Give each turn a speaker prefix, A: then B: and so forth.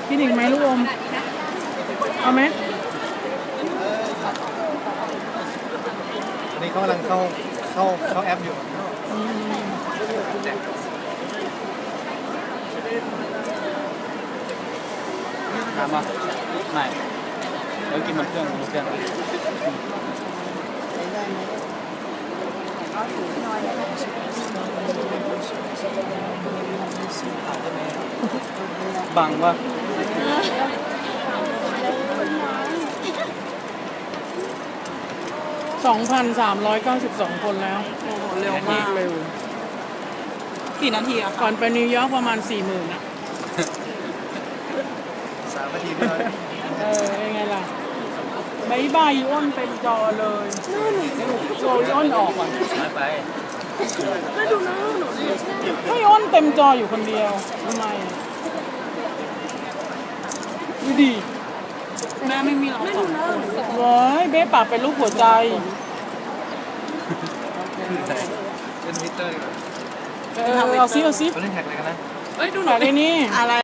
A: กินอีกไหมลูกอมเอาไหม
B: อันนี้เขากำลังเข้าแอปอยู่ถามว่าไม่เดี๋ยวกินมันเครื่องบังวะ
A: 2,392 คนแล้วโอ้โหเร็วมากเร็ว
C: กี่นาทีอะ
A: ก่อนไปนิวยอร์กประมาณ 40,000นะ
B: 3 นาทีไม่ได้
A: ยังไงล่ะบายบายอีอ้นเป็นจอเลยโชว์อีอ้นออกก่อน
B: ไป
A: ให้อ้นเต็มจออยู่คนเดียวทำไมอะดูดิ
C: แม่ไม่มีหรอก
A: ว้ายเบ๊ปากเป็นรูปหัวใจ
B: เล่นทวิตเตอร์ดีกว่า
A: เอาซิ
B: เขาเล่นแท็กอะไรกันนะ
C: เอ้ยดูห
A: ปา
C: น่อก ย
A: ไอ้นี่
C: อะไร